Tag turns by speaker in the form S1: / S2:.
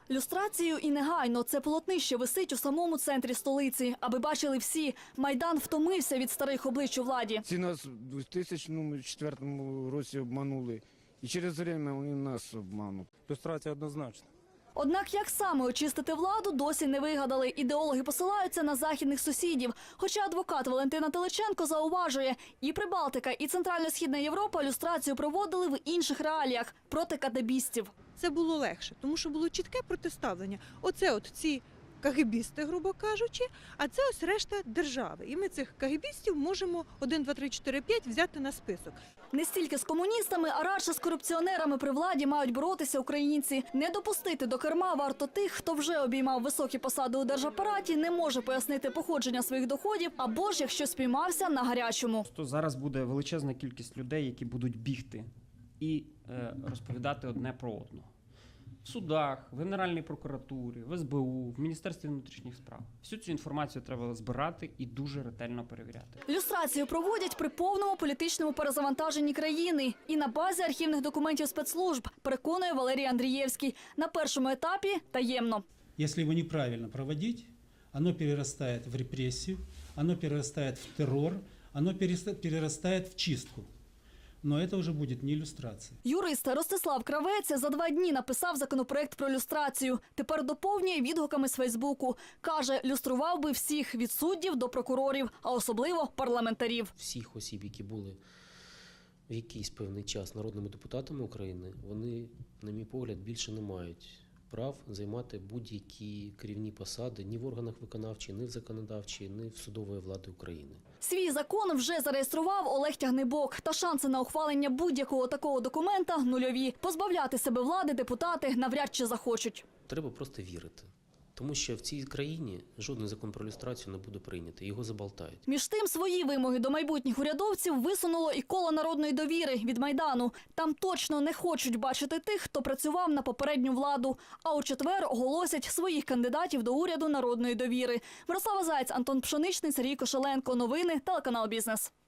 S1: Люстрацію і негайно. Це полотнище висить у самому центрі столиці. Аби бачили всі, Майдан втомився від старих облич у владі.
S2: Ці нас у 2004 році обманули. І через время вони нас обмануть.
S3: Люстрація однозначно.
S1: Однак як саме очистити владу, досі не вигадали. Ідеологи посилаються на західних сусідів. Хоча адвокат Валентина Теличенко зауважує, і Прибалтика, і Центрально-Східна Європа люстрацію проводили в інших реаліях – проти кадебістів.
S4: Це було легше, тому що було чітке протиставлення. Оце от ці кагебісти, грубо кажучи, а це ось решта держави. І ми цих кагебістів можемо 1, 2, 3, 4, 5 взяти на список.
S1: Не стільки з комуністами, а радше з корупціонерами при владі мають боротися українці. Не допустити до керма варто тих, хто вже обіймав високі посади у держапараті, не може пояснити походження своїх доходів, або ж якщо спіймався на гарячому.
S5: То зараз буде величезна кількість людей, які будуть бігти і розповідати одне про одного. В судах, в Генеральній прокуратурі, в СБУ, в Міністерстві внутрішніх справ. Всю цю інформацію треба збирати і дуже ретельно перевіряти.
S1: Люстрацію проводять при повному політичному перезавантаженні країни і на базі архівних документів спецслужб, переконує Валерій Андрієвський. На першому етапі – таємно.
S6: Если его неправильно проводить, оно перерастает в репрессию, оно перерастает в террор, оно перерастает в чистку. Но это уже будет не иллюстрация.
S1: Юрист Ростислав Кравець за 2 дні написав законопроект про люстрацію. Тепер доповнює відгуками з Фейсбуку. Каже, люстрував би всіх від суддів до прокурорів, а особливо парламентарів.
S7: Всіх осіб, які були в якийсь певний час народними депутатами України, вони, на мій погляд, більше не мають прав займати будь-які керівні посади ні в органах виконавчої, ні в законодавчій, ні в судової влади України.
S1: Свій закон вже зареєстрував Олег Тягнибок. Та шанси на ухвалення будь-якого такого документа нульові. Позбавляти себе влади депутати навряд чи захочуть.
S7: Треба просто вірити. Тому що в цій країні жодний закон про люстрацію не буде прийнятий, його заболтають.
S1: Між тим, свої вимоги до майбутніх урядовців висунуло і коло народної довіри від Майдану. Там точно не хочуть бачити тих, хто працював на попередню владу. А у четвер оголосять своїх кандидатів до уряду народної довіри. Мирослава Заєць, Антон Пшеничний, Сергій Кошеленко. Новини, телеканал «Бізнес».